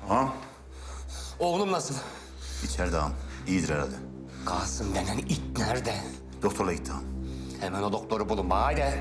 Ağam, Oğlum nasıl? içeride ağam. İyidir herhalde. Kasım denen it nerede? Doktorla gitti ağam. Hemen o doktoru bulun bana haydi.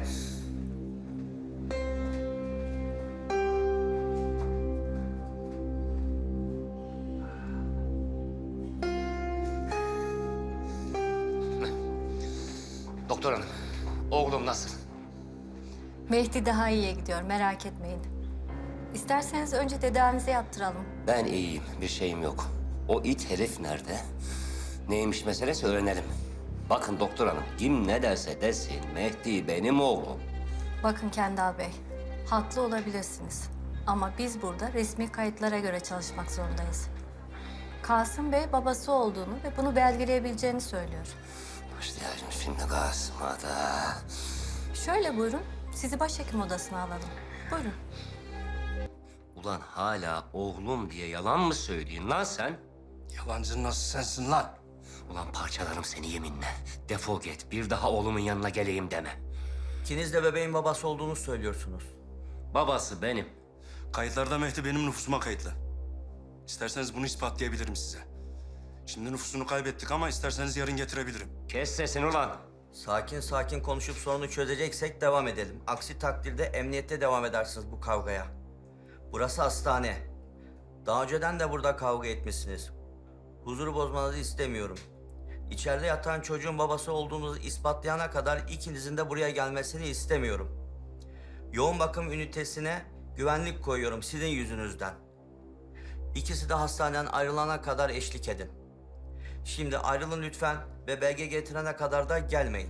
Doktor hanım, oğlum nasıl? Mehdi daha iyiye gidiyor, merak etmeyin. İsterseniz önce tedavimize yaptıralım. Ben iyiyim, bir şeyim yok. O it herif nerede? Neymiş meselesi öğrenelim. Bakın doktor hanım, kim ne derse desin Mehdi benim oğlum. Bakın Kendal Bey, haklı olabilirsiniz. Ama biz burada resmi kayıtlara göre çalışmak zorundayız. Kasım Bey babası olduğunu ve bunu belgeleyebileceğini söylüyor. Başlayacağım şimdi Kasım'a da. Şöyle buyurun, sizi başhekim odasına alalım. Buyurun. Ulan hala oğlum diye yalan mı söylüyorsun lan sen? Yalancı nasıl sensin lan? Ulan parçalarım seni yeminle. Defol git, bir daha oğlumun yanına geleyim deme. İkiniz de bebeğin babası olduğunu söylüyorsunuz. Babası benim. Kayıtlarda Mehdi benim nüfusuma kayıtlı. İsterseniz bunu ispatlayabilirim size. Şimdi nüfusunu kaybettik ama isterseniz yarın getirebilirim. Kes sesini ulan. Sakin sakin konuşup sorunu çözeceksek devam edelim. Aksi takdirde emniyette devam edersiniz bu kavgaya. Burası hastane. Daha önceden de burada kavga etmişsiniz. Huzuru bozmanızı istemiyorum. İçeride yatan çocuğun babası olduğunuzu ispatlayana kadar ikinizin de buraya gelmesini istemiyorum. Yoğun bakım ünitesine güvenlik koyuyorum sizin yüzünüzden. İkisi de hastaneden ayrılana kadar eşlik edin. Şimdi ayrılın lütfen ve belge getirene kadar da gelmeyin.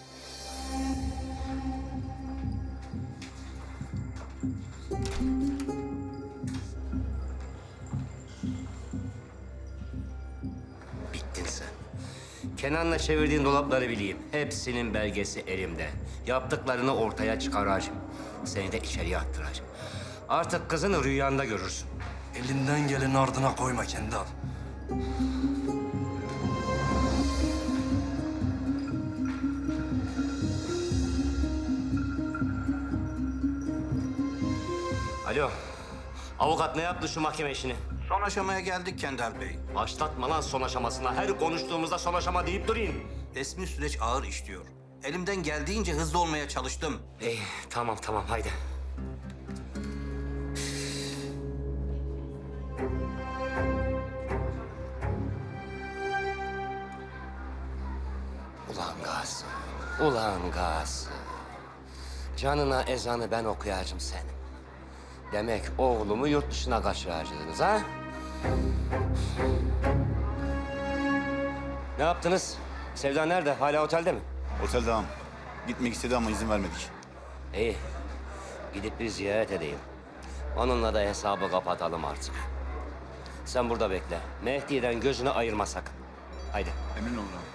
Bittin sen. Kenan'la çevirdiğin dolapları bileyim. Hepsinin belgesi elimde. Yaptıklarını ortaya çıkaracağım. Seni de içeriye attıracağım. Artık kızını rüyanda görürsün. Elinden geleni ardına koyma Kendal. Alo. Avukat ne yaptı şu mahkeme işini? Son aşamaya geldik Kendal Bey. Başlatma lan son aşamasına. Her konuştuğumuzda son aşama deyip durayım. Resmi süreç ağır işliyor. Elimden geldiğince hızlı olmaya çalıştım. İyi, tamam haydi. Ulan Kasım, ulan Kasım. Canına ezanı ben okuyacağım senin. Demek oğlumu yurt dışına kaçıracaksınız ha? Ne yaptınız? Sevda nerede? Hala otelde mi? Otelde ağam. Gitmek istedi ama izin vermedik. İyi. Gidip bir ziyaret edeyim. Onunla da hesabı kapatalım artık. Sen burada bekle. Mehdi'den gözünü ayırma sakın. Haydi. Emin olun ağam.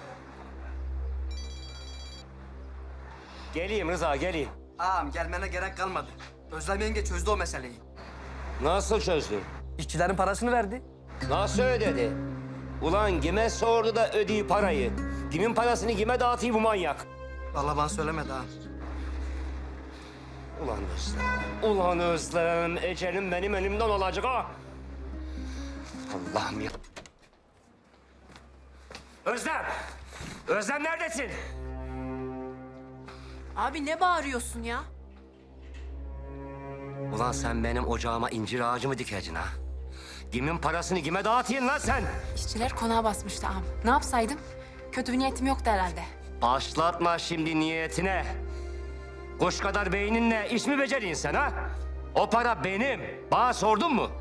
Geleyim Rıza, geleyim. Ağam gelmene gerek kalmadı. Özlem yenge çözdü o meseleyi. Nasıl çözdün? İşçilerin parasını verdi. Nasıl ödedi? Ulan kime sordu da ödeyi parayı? Kimin parasını kime dağıtıyor bu manyak? Vallahi bana söylemedi ağam. Ulan Özlem, ulan Özlem. Ecelim benim elimden olacak ha. Allah'ım ya. Özlem! Özlem neredesin? Abi ne bağırıyorsun ya? Ulan sen benim ocağıma incir ağacı mı dikeceksin ha? Kimin parasını kime dağıtıyorsun lan sen? İşçiler konağa basmıştı ağam. Ne yapsaydım? Kötü bir niyetim yoktu herhalde. Başlatma şimdi niyetine. Kuş kadar beyninle iş mi beceriyorsun sen ha? O para benim. Bana sordun mu?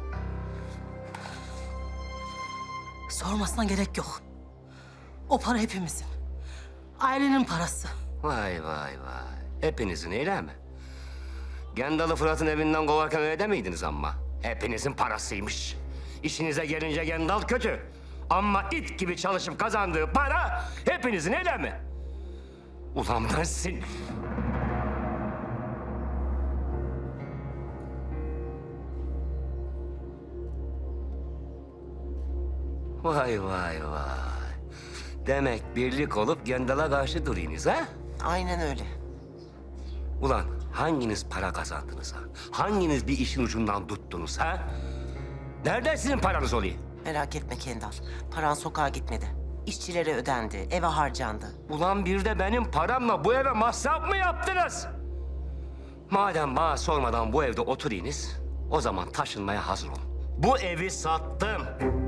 Sormasına gerek yok. O para hepimizin. Ailenin parası. Vay vay. Hepinizin öyle mi? Gendalı Fırat'ın evinden kovarken öyle demiydiniz ama. Hepinizin parasıymış. İşinize gelince Gendal kötü. Ama it gibi çalışıp kazandığı para hepinizin öyle mi? Ulan ben sin... Vay. Demek birlik olup Gendal'a karşı duruyorsunuz ha? Aynen öyle. Ulan hanginiz para kazandınız ha? Hanginiz bir işin ucundan tuttunuz ha? Nereden sizin paranız oluyor? Merak etme Kendal. Paran sokağa gitmedi. İşçilere ödendi, eve harcandı. Ulan bir de benim paramla bu eve masraf mı yaptınız? Madem bana sormadan bu evde oturuyunuz, o zaman taşınmaya hazır olun. Bu evi sattım.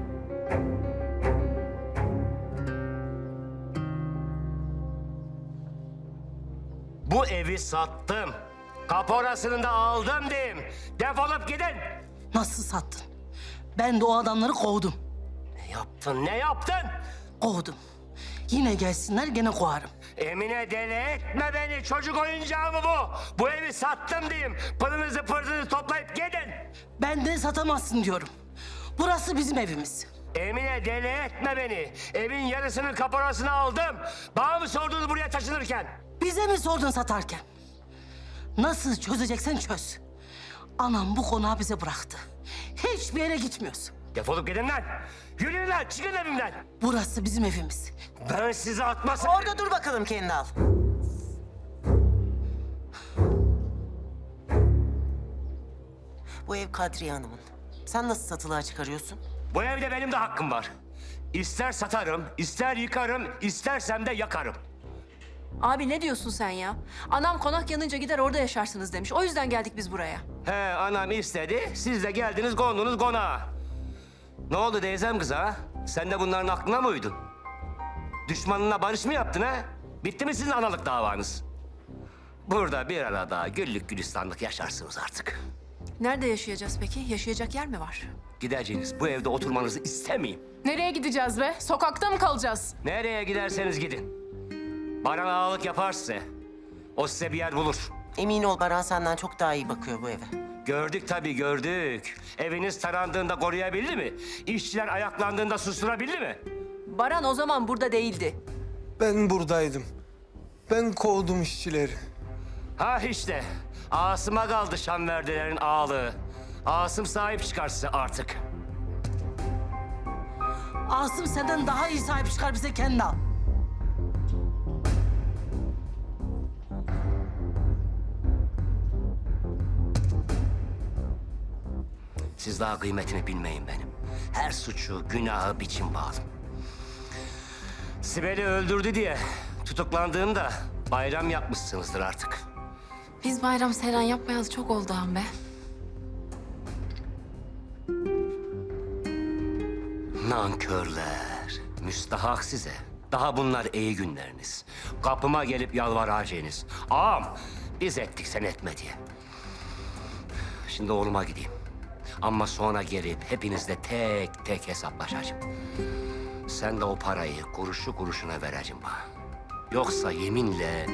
Bu evi sattım. Kaporasını da aldım diyeyim. Defolup gidin. Nasıl sattın? Ben de o adamları kovdum. Ne yaptın, ne yaptın? Kovdum. Yine gelsinler gene kovarım. Emine deli etme beni. Çocuk oyuncağı mı bu? Bu evi sattım diyeyim. Pılınızı pırtınızı toplayıp gidin. Benden satamazsın diyorum. Burası bizim evimiz. Emine deli etme beni. Evin yarısının kaporasını aldım. Bana mı sordunuz buraya taşınırken? Bize mi sordun satarken? Nasıl çözeceksen çöz. Anam bu konağı bize bıraktı. Hiçbir yere gitmiyoruz. Defolup gidin lan. Yürüyün lan, çıkın evimden. Burası bizim evimiz. Ben sizi atmasam... Orada dur bakalım Kendal. Bu ev Kadriye Hanım'ın. Sen nasıl satılığa çıkarıyorsun? Bu evde benim de hakkım var. İster satarım, ister yıkarım, istersem de yakarım. Abi ne diyorsun sen ya? Anam konak yanınca gider orada yaşarsınız demiş. O yüzden geldik biz buraya. He, anam istedi, siz de geldiniz kondunuz konağa. Ne oldu teyzem kız ha? Sen de bunların aklına mı uydun? Düşmanına barış mı yaptın ha? Bitti mi sizin analık davanız? Burada bir arada güllük gülistanlık yaşarsınız artık. Nerede yaşayacağız peki? Yaşayacak yer mi var? Gideceğiniz bu evde oturmanızı istemeyeyim. Nereye gideceğiz be? Sokakta mı kalacağız? Nereye giderseniz gidin. Baran ağalık yapar size. O size bir yer bulur. Emin ol Baran senden çok daha iyi bakıyor bu eve. Gördük tabii gördük. Eviniz tarandığında koruyabildi mi? İşçiler ayaklandığında susturabildi mi? Baran o zaman burada değildi. Ben buradaydım. Ben kovdum işçileri. Ha işte. Asım'a kaldı Şanverdilerin ağalığı. Asım sahip çıkar size artık. Asım senden daha iyi sahip çıkar bize Kendal. Siz daha kıymetini bilmeyin benim. Her suçu, günahı biçim bağlı. Sibel'i öldürdü diye tutuklandığında bayram yapmışsınızdır artık. Biz bayram seyran yapmayalı çok oldu ağam be. Nankörler, müstahak size. Daha bunlar iyi günleriniz. Kapıma gelip yalvaracağınız. Ağam, biz ettik sen etme diye. Şimdi oğluma gideyim. Ama sonra gelip hepinizle tek tek hesaplaşacağım. Sen de o parayı kuruşu kuruşuna vereceğim bana. Yoksa yeminle...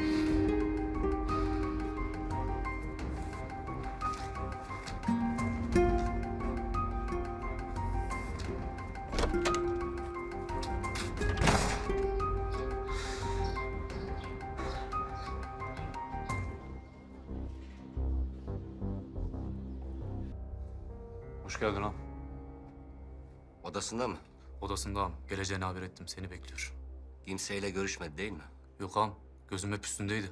Hoş geldin ağam. Odasında mı? Odasında ağam. Geleceğini haber ettim. Seni bekliyor. Kimseyle görüşmedi değil mi? Yok ağam. Gözüm hep üstündeydi.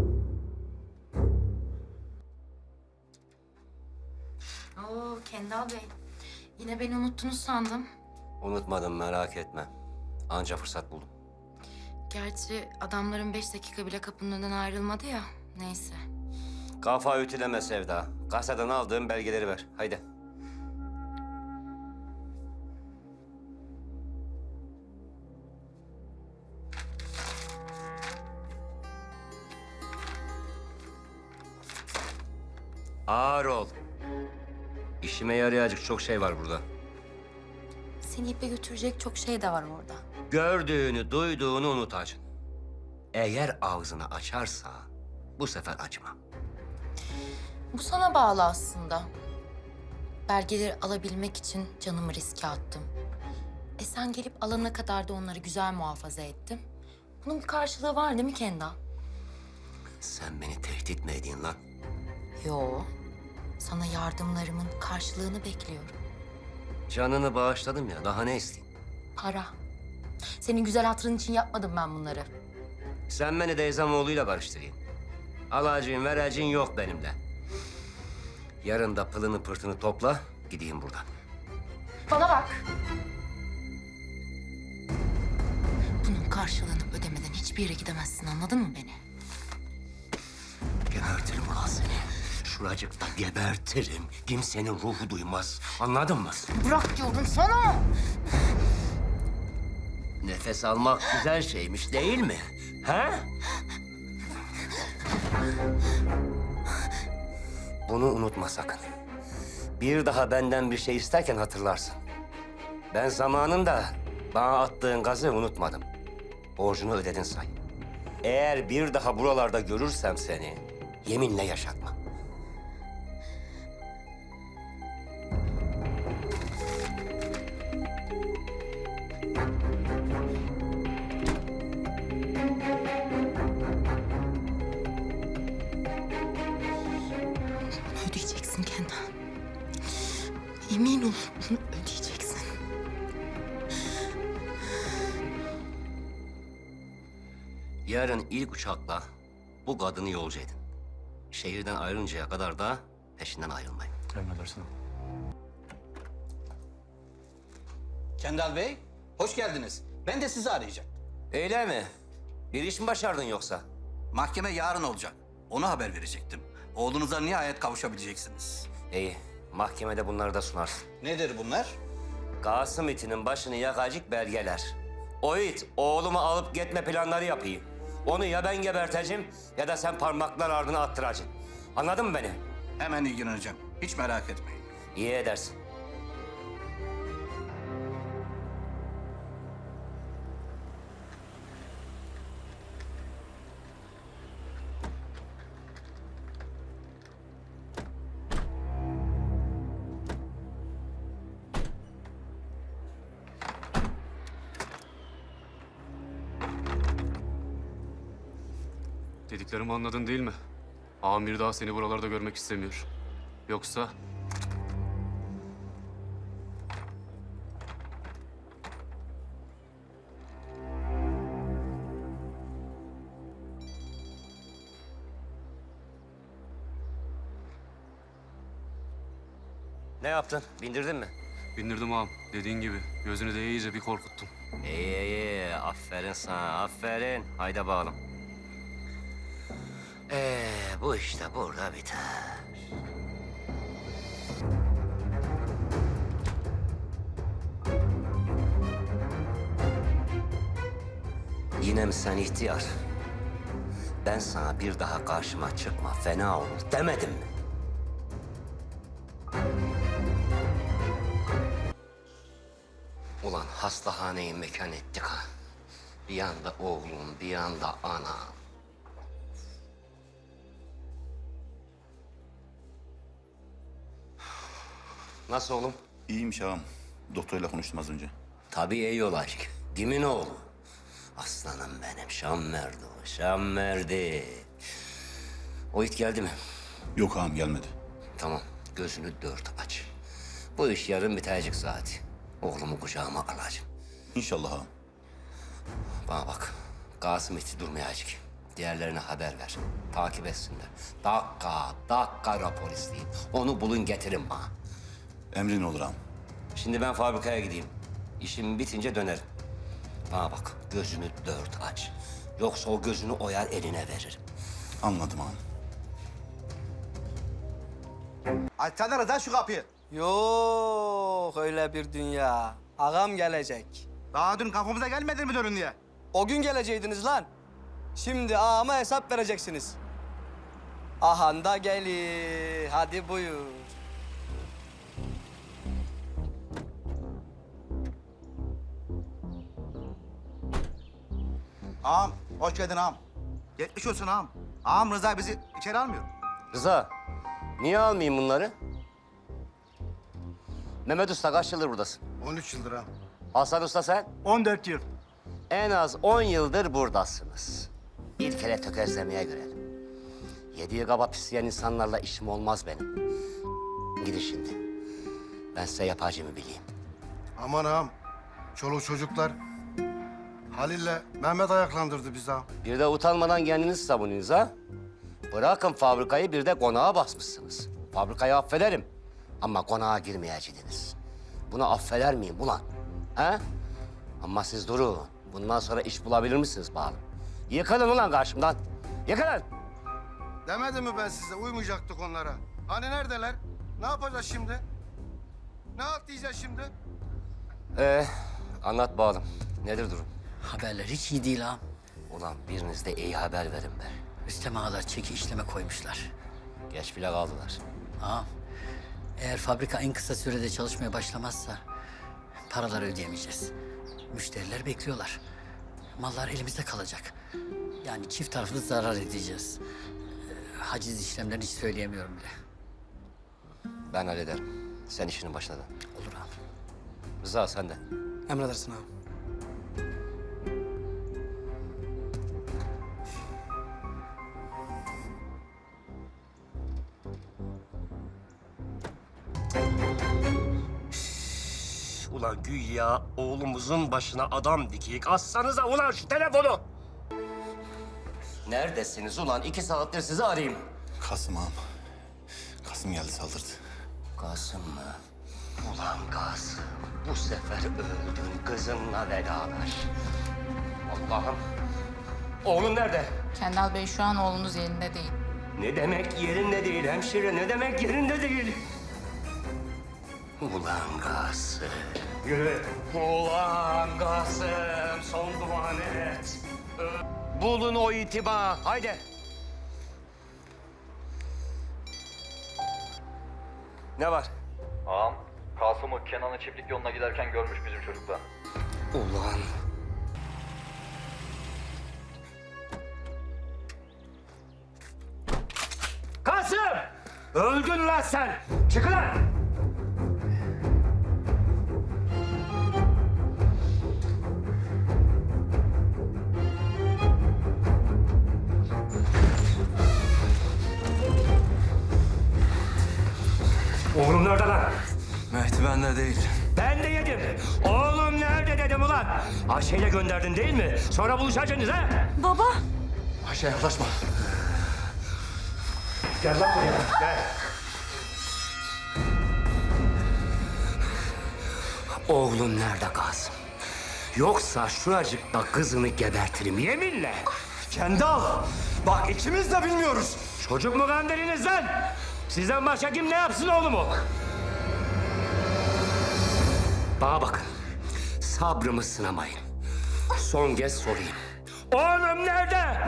Oo Kendal Bey. Yine beni unuttunuz sandım. Unutmadım merak etme. Anca fırsat buldum. Gerçi adamların 5 dakika bile kapının önünden ayrılmadı ya. Neyse. Kafa ütüleme Sevda. Kasadan aldığım belgeleri ver. Haydi. Ağır ol. İşime yarayacak çok şey var burada. Seni ipe götürecek çok şey de var orada. Gördüğünü, duyduğunu unutacaksın. Eğer ağzını açarsa bu sefer açma. Bu sana bağlı aslında. Belgeleri alabilmek için canımı riske attım. Sen gelip alana kadar da onları güzel muhafaza ettim. Bunun bir karşılığı var değil mi Kendal? Sen beni tehdit mi ediyorsun lan? Yo. Sana yardımlarımın karşılığını bekliyorum. Canını bağışladım ya, daha ne isteyeyim? Para. Senin güzel hatırın için yapmadım ben bunları. Sen beni Deyzamoğlu'yla barıştırayım. Alacağın, vereceğin yok benimle. Yarın da pılını pırtını topla, gideyim buradan. Bana bak. Bunun karşılığını ödemeden hiçbir yere gidemezsin, anladın mı beni? Gebertirim ulan seni. Şuracıkta gebertirim. Kimsenin ruhu duymaz. Anladın mı? Bırak diyorum sana. Nefes almak güzel şeymiş değil mi? He? Bunu unutma sakın. Bir daha benden bir şey isterken hatırlarsın. Ben zamanında bana attığın gazı unutmadım. Borcunu ödedin say. Eğer bir daha buralarda görürsem seni, yeminle yaşatma. Ödeyeceksin Kendal. Emin ol, bunu ödeyeceksin. Yarın ilk uçakla bu kadını yolcu edin. Şehirden ayrılıncaya kadar da peşinden ayrılmayın. Emredersin. Kendal Bey, hoş geldiniz. Ben de sizi arayacaktım. Öyle mi? Bir iş mi başardın yoksa? Mahkeme yarın olacak. Ona haber verecektim. Oğlunuza nihayet kavuşabileceksiniz. İyi, mahkemede bunları da sunarsın. Nedir bunlar? Kasım itinin başını yakacak belgeler. O it oğlumu alıp gitme planları yapıyor. Onu ya ben geberteceğim ya da sen parmaklar ardına attıracaksın. Anladın mı beni? Hemen ilgileneceğim. Hiç merak etmeyin. İyi edersin. Dediklerimi anladın değil mi? Amir daha seni buralarda görmek istemiyor. Yoksa Ne yaptın? Bindirdin mi? bindirdim ağam. Dediğin gibi gözünü de iyice bir korkuttum. İyi. Aferin sana, aferin. Haydi bakalım. Bu işte burada biter. Yine mi sen ihtiyar? Ben sana bir daha karşıma çıkma, fena olur demedim mi? Ulan hastahaneyi mekan ettik ha. Bir yanda oğlum, bir yanda ana. Nasıl oğlum? İyiymiş ağam. Doktorla konuştum az önce. Tabii iyi olacak. Kimin oğlu? Aslanım benim, Şam merdi o, Şam merdi. O it geldi mi? Yok ağam gelmedi. Tamam, gözünü dört aç. Bu iş yarın bitecek zaten. Oğlumu kucağıma alacağım. İnşallah ağam. Bana bak, Kasım iti durmayacak. Diğerlerine haber ver. Takip etsinler. Dakika rapor isteyin. Onu bulun getirin bana. Emrin olur ağam. Şimdi ben fabrikaya gideyim. İşim bitince dönerim. Bana bak, gözünü dört aç. Yoksa o gözünü oyar eline veririm. Anladım ağam. Açsana Rıza şu kapıyı. Yok öyle bir dünya. Ağam gelecek. Daha dün kafamıza gelmedin mi dönün diye? O gün geleceydiniz lan. Şimdi ağama hesap vereceksiniz. Ahan da gelir. Hadi buyur. Ağam, hoş geldin ağam. Geçmiş olsun ağam. Ağam Rıza bizi içeri almıyor. Rıza, niye almayayım bunları? Mehmet Usta kaç yıldır buradasın? 13 yıldır ağam. Hasan Usta sen? 14 yıl. En az 10 yıldır buradasınız. Bir kere tökezlemeye görelim. Yediği kaba pisleyen insanlarla işim olmaz benim. Gidin şimdi. Ben size yapacağımı bileyim. Aman ağam, çoluk çocuklar. Halil'le Mehmet ayaklandırdı bizi ağam. Bir de utanmadan kendinizi savunuyorsunuz ha? Bırakın fabrikayı, bir de konağa basmışsınız. Fabrikayı affederim ama konağa girmeyeceksiniz. bunu affeder miyim ulan? He? Ama siz durun. Bundan sonra iş bulabilir misiniz bakalım? Yıkılın ulan karşımdan. Yıkılın. Demedim mi ben size uymayacaktık onlara? Hani neredeler? Ne yapacağız şimdi? Ne atlayacağız şimdi? Anlat bakalım. Nedir durum? Haberler hiç iyi değil ağam. Ulan biriniz de iyi haber verin be. Rüstem ağalar çeki işleme koymuşlar. Geç bile kaldılar. Ağam, eğer fabrika en kısa sürede çalışmaya başlamazsa paraları ödeyemeyeceğiz. Müşteriler bekliyorlar. Mallar elimizde kalacak. Yani çift taraflı zarar edeceğiz. Haciz işlemlerini hiç söyleyemiyorum bile. Ben hallederim. Sen işinin başına dön. Olur ağam. Rıza sen de. Emredersin ağam. Ulan güya oğlumuzun başına adam dikeyik. Assanıza ulan şu telefonu. Neredesiniz ulan? 2 saattir sizi arayayım. Kasım ağam. Kasım geldi saldırdı. Kasım mı? Ulan Kasım. Bu sefer öldün kızınla beraber. Allah'ım. Oğlum nerede? Kendal Bey şu an oğlunuz yerinde değil. Ne demek yerinde değil hemşire? Ne demek yerinde değil? Ulan Kasım. Yürü. Ulan Kasım. Son duanı et. Bulun o itibar. Haydi. Ne var? Ağam, Kasım'ı Kenan'ın çiftlik yoluna giderken görmüş bizim çocuklar. Ulan. Kasım! Öldün lan sen! Çıkın lan! Oğlum nerede lan? Mehdi bende değil. Ben de yedim. Oğlum nerede dedim ulan? Ayşe'yle gönderdin değil mi? Sonra buluşacaksınız ha? Baba. Ayşe yaklaşma. Gel lan buraya, gel. Oğlum nerede Kasım? Yoksa şuracıkta kızını gebertirim yeminle. Kendal! Bak ikimiz de bilmiyoruz. Çocuk mu kandırınız lan? Sizden başka kim ne yapsın oğlumu? Bana bakın. Sabrımı sınamayın. Son kez sorayım. Oğlum nerede?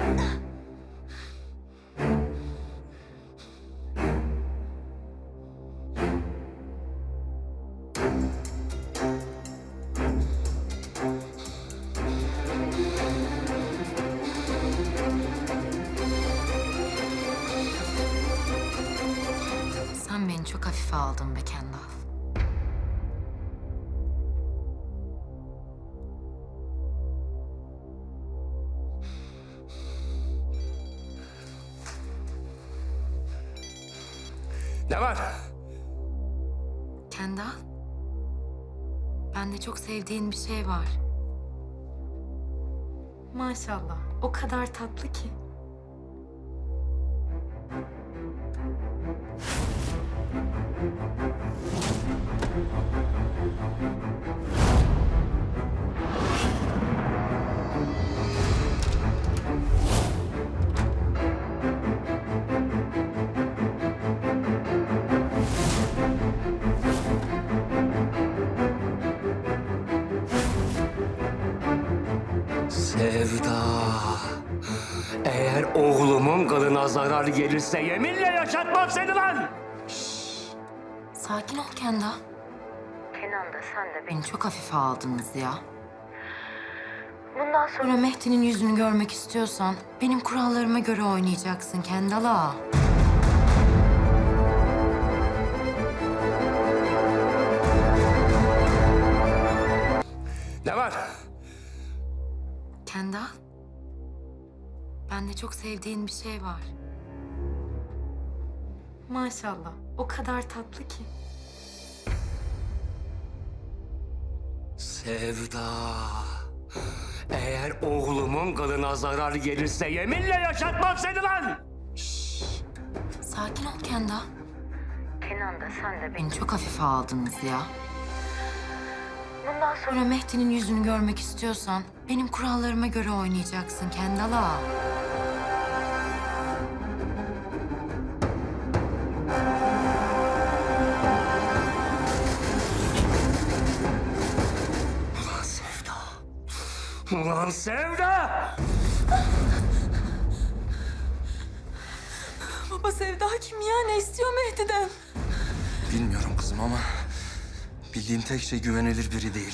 Sen beni çok hafife aldın be Kendal. Ne var? Kendal, bende çok sevdiğin bir şey var. Maşallah, o kadar tatlı ki. Sevda. Eğer oğlumun kılına zarar gelirse yeminle yaşatmam seni lan! Sakin ol Kendal. Kenan da sen de beni çok hafife aldınız ya. Bundan sonra Mehdi'nin yüzünü görmek istiyorsan benim kurallarıma göre oynayacaksın Kendal ağa. Ne var? Kendal, bende çok sevdiğin bir şey var. Maşallah, o kadar tatlı ki. Sevda. Eğer oğlumun kılına zarar gelirse yeminle yaşatmam seni lan! Sakin ol Kendal. Kenan da sen de beni çok hafife aldınız ya. Bundan sonra Mehdi'nin yüzünü görmek istiyorsan benim kurallarıma göre oynayacaksın Kendal ağa. Ulan Sevda! Ulan Sevda! Baba Sevda kim ya? Ne istiyor Mehdi'den? Bilmiyorum kızım ama bildiğim tek şey güvenilir biri değil.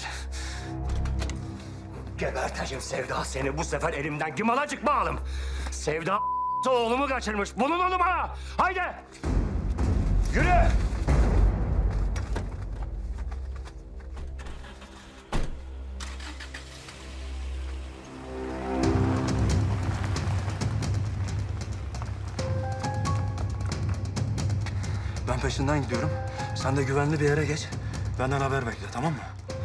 Geberteceğim Sevda seni. Bu sefer elimden kim alacak bağlım? Sevda oğlumu kaçırmış. Bulun onu bana. Haydi. Yürü. Ben peşinden gidiyorum. Sen de güvenli bir yere geç. Benden haber bekle, tamam mı?